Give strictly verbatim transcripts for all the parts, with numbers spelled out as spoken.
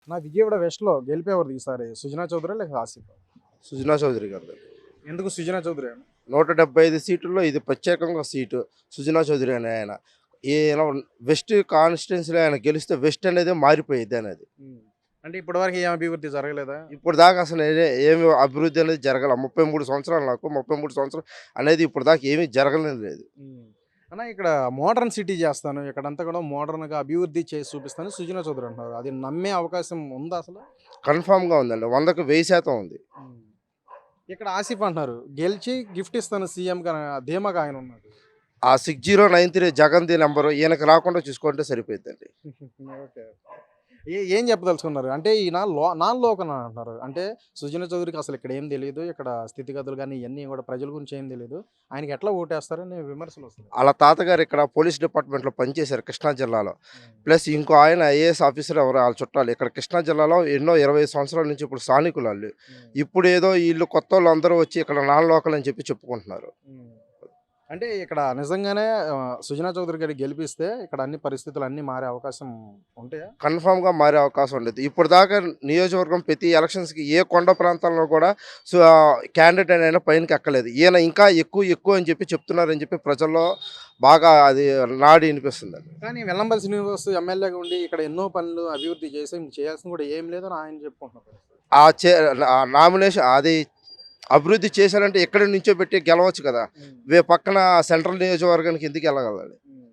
నా విజయవాడ వెస్ట్‌లో గెలిపేవారు ఈసారి సుజనా చౌదరా లేక ఆసిఫా? సుజనా చౌదరి గారిది. ఎందుకు సుజనా చౌదరి అని? నూట డెబ్బై ఐదు సీటుల్లో ఇది ప్రత్యేకంగా సీటు. సుజనా చౌదరి అనే ఆయన. ఈయన వెస్ట్ కాన్స్టిట్యున్సీలో ఆయన గెలిస్తే వెస్ట్ అనేది మారిపోయిద్ది అనేది. హ్మ్. అంటే ఇప్పటివరకు ఏం అభివృద్ధి జరగలేదా? ఇప్పుడు దాకా అసలు ఏ ఏమి అభివృద్ధి అనేది జరగల. ముప్పై మూడు సంవత్సరాలు నాకు. ముప్పై మూడు సంవత్సరాలు అనేది ఇప్పుడు దాకా ఏమీ జరగలేదు లేదు. హ్మ్. అన్న ఇక్కడ మోడర్న్ సిటీ చేస్తాను. ఇక్కడంతా కూడా మోడర్న్‌గా అభివృద్ధి చేసి చూపిస్తాను సుజనా చౌదరి అంటున్నారు. అది నమ్మే అవకాశం ఉందా అసలు? కన్ఫర్మ్‌గా ఉందండి. వందకు వెయ్యి శాతం ఉంది. హ్మ్. ఇక్కడ ఆసిఫ్ అంటున్నారు. గెలిచి గిఫ్ట్ ఇస్తాను సీఎంగా ధీమాగా ఆయన ఉన్నాడు. ఆ సిక్స్ జీరో నైన్ త్రీ జగన్‌ది నంబరు ఈయనకి రాకుండా చూసుకుంటే సరిపోయిద్దండి. ఓకే. ఏ ఏం చెప్పదలుచుకున్నారు? అంటే ఈయన లో నాన్ లోకల్ అంటున్నారు. అంటే సుజనా చౌదరికి అసలు ఇక్కడ ఏం తెలీదు. ఇక్కడ స్థితిగతులు గాని ఇయన్నీ కూడా ప్రజల గురించి ఏం తెలీదు. ఆయనకి ఎట్లా ఓటేస్తారని విమర్శలు వస్తున్నాయి. ఆళ్ళ తాతగారు ఇక్కడ పోలీస్ డిపార్ట్మెంట్‌లో పనిచేశారు కృష్ణా జిల్లాలో. హ్మ్. ప్లస్ ఇంకో ఆయన ఐఏఎస్ ఆఫీసర్ ఎవరో ఆళ్ళ చుట్టాలు. ఇక్కడ కృష్ణా జిల్లాలో ఎన్నో ఇరవై సంవత్సరాల నుంచి ఇప్పుడు స్థానికులాళ్ళు. హ్మ్. ఇప్పుడేదో ఈళ్ళు కొత్తోళ్ళందరూ వచ్చి ఇక్కడ నాన్ లోకల్ అని చెప్పి చెప్పుకుంటున్నారు. హ్మ్. అంటే ఇక్కడ నిజంగానే ఆహ్, సుజనా చౌదరి గారిని గెలిపిస్తే ఇక్కడ అన్ని పరిస్థితులు అన్నీ మారే అవకాశం ఉంటాయా? కన్ఫర్మ్‌గా మారే అవకాశం ఉండేది. ఇప్పటిదాకా నియోజకవర్గం ప్రతి ఎలక్షన్స్‌కి ఏ కొండ ప్రాంతాల్లో కూడా సో, క్యాండిడేట్ అయినా పైనకి ఎక్కలేదు. ఈయన ఇంకా ఎక్కువ, ఎక్కువ అని చెప్పి చెప్తున్నారని చెప్పి ప్రజల్లో బాగా అది నాడి ఇనిపిస్తుందండి. కానీ వెల్లంపల్లి శ్రీనివాస్ ఎమ్మెల్యేగా ఉండి ఇక్కడ ఎన్నో పనులు అభివృద్ధి చేసి ఇంక చేయాల్సింది కూడా ఏం లేదని ఆయన చెప్పుకుంటున్నారు. ఆ చే ఆ నామినేషన్ అది అభివృద్ధి చేశారంటే ఎక్కడి నుంచో పెట్టి గెలవచ్చు కదా! హ్మ్. వే పక్కన సెంట్రల్ నియోజకవర్గానికి ఎందుకు ఎళ్ళగలడు? హ్మ్.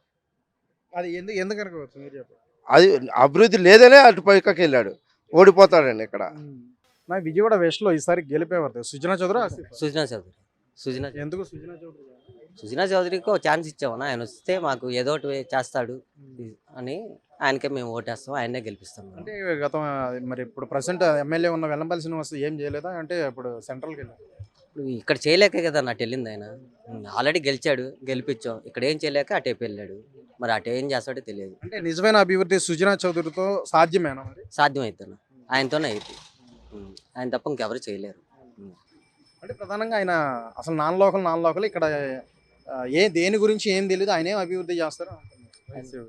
అది ఎందుకు ఎందుకనుకోవచ్చు మీరు చెప్పండి? అది అభివృద్ధి లేదనే అటు పైకకెళ్ళాడు. ఓడిపోతాడండి ఇక్కడ. హ్మ్. నా విజయవాడ వెస్ట్‌లో ఈసారి గెలిపేవారు సుజనా చౌదరా? ఆసిఫా? సుజనా చౌదరి సుజనా ఎందుకు సుజనా చౌదరి గారు? సుజనా చౌదరికి ఒక ఛాన్స్ ఇచ్చామన్నా ఆయన వస్తే మాకు ఏదో ఒకటి చేస్తాడు హ్మ్. అని ఆయనకే మేము ఓటేస్తాం ఆయన్నే గెలిపిస్తాం అంటే గతం మరి ఇప్పుడు ప్రెజెంట్ ఎమ్మెల్యే ఉన్న వెల్లంపల్లి శ్రీనివాస్ ఏం చేయలేదా? అంటే ఇప్పుడు సెంట్రల్‌కి వెళ్ళారు. ఇప్పుడు ఇక్కడ చేయలేకే కదా అటు వెళ్ళింది ఆయన ఆల్రెడీ గెలిచాడు గెలిపించాం ఇక్కడ ఏం చేయలేక అటేపు వెళ్ళాడు మరి అటు ఏం చేస్తాడో తెలియదు అంటే నిజమైన అభివృద్ధి సుజనా చౌదరితో సాధ్యమేనా మరి? సాధ్యమవుతాను ఆయనతోనే అవుతుంది ఆయన తప్ప ఇంకెవరు చేయలేరు ఉం. అంటే ప్రధానంగా ఆయన అసలు నాన్ లోకల్ నాన్ లోకల్ ఇక్కడ ఆహ్, ఏ దేని గురించి ఏం తెలీదు. ఆయన ఏం అభివృద్ధి చేస్తారు అంటున్నారు.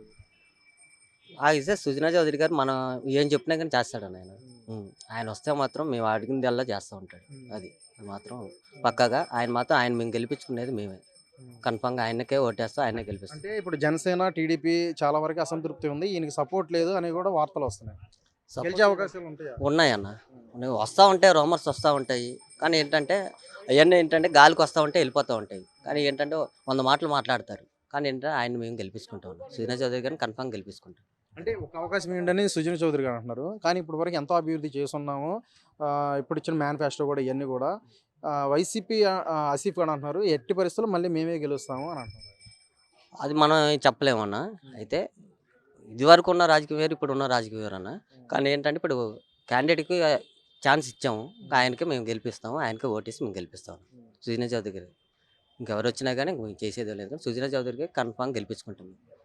ఆ ఇస్తే సుజనా చౌదరి గారు మనం ఏం చెప్పినా కానీ చేస్తాడని ఆయన ఉం. ఆయన వస్తే మాత్రం మేము అడిగిందల్లా చేస్తూ ఉంటాడు అది అది మాత్రం పక్కాగా ఆయన మాత్రం ఆయన మేము గెలిపించుకునేది మేమే కన్ఫామ్గా ఆయనకే ఓటేస్తాం ఆయనే గెలిపిస్తాం అంటే ఇప్పుడు జనసేన, టీడీపీ చాలా వరకు అసంతృప్తి ఉంది. ఈయనకి సపోర్ట్ లేదు అని కూడా వార్తలు వస్తున్నాయి. గెలిచే అవకాశాలు ఉంటాయా? ఉన్నాయన్న ఉన్నాయి వస్తూ ఉంటాయి రూమర్స్ వస్తూ ఉంటాయి కానీ ఏంటంటే అవన్నీ ఏంటంటే గాలికి వస్తూ ఉంటాయి వెళ్ళిపోతూ ఉంటాయి కానీ ఏంటంటే వంద మాటలు మాట్లాడతారు కానీ ఏంటంటే ఆయన మేము గెలిపించుకుంటాం సుజనా చౌదరి గారిని కన్ఫామ్ గెలిపించుకుంటాం అంటే ఒక అవకాశం ఏంటని సుజనా చౌదరి గారు అంటున్నారు. కానీ ఇప్పుడు వరకు ఎంతో అభివృద్ధి చేసున్నాము. ఆహ్, ఇప్పుడు ఇచ్చిన మేనిఫెస్టో కూడా ఇవన్నీ కూడా ఆహ్, వైసీపీ ఆహ్, ఆసిఫ్ గారు అంటున్నారు. ఎట్టి పరిస్థితుల్లో మళ్ళీ మేమే గెలుస్తాము అని అంటున్నారు. అది మనం చెప్పలేమన్నా అయితే ఇదివరకు ఉన్న రాజకీయం వేరు ఇప్పుడు ఉన్న రాజకీయం వేరు అన్న కానీ ఏంటంటే ఇప్పుడు క్యాండిడేట్కి ఛాన్స్ ఇచ్చాము ఆయనకే మేము గెలిపిస్తాము ఆయనకే ఓటేసి మేము గెలిపిస్తాము సుజనా చౌదరి గారు ఇంకెవరు వచ్చినా కానీ మేము చేసేది లేదు సుజనా చౌదరికి కన్ఫామ్ గెలిపించుకుంటాము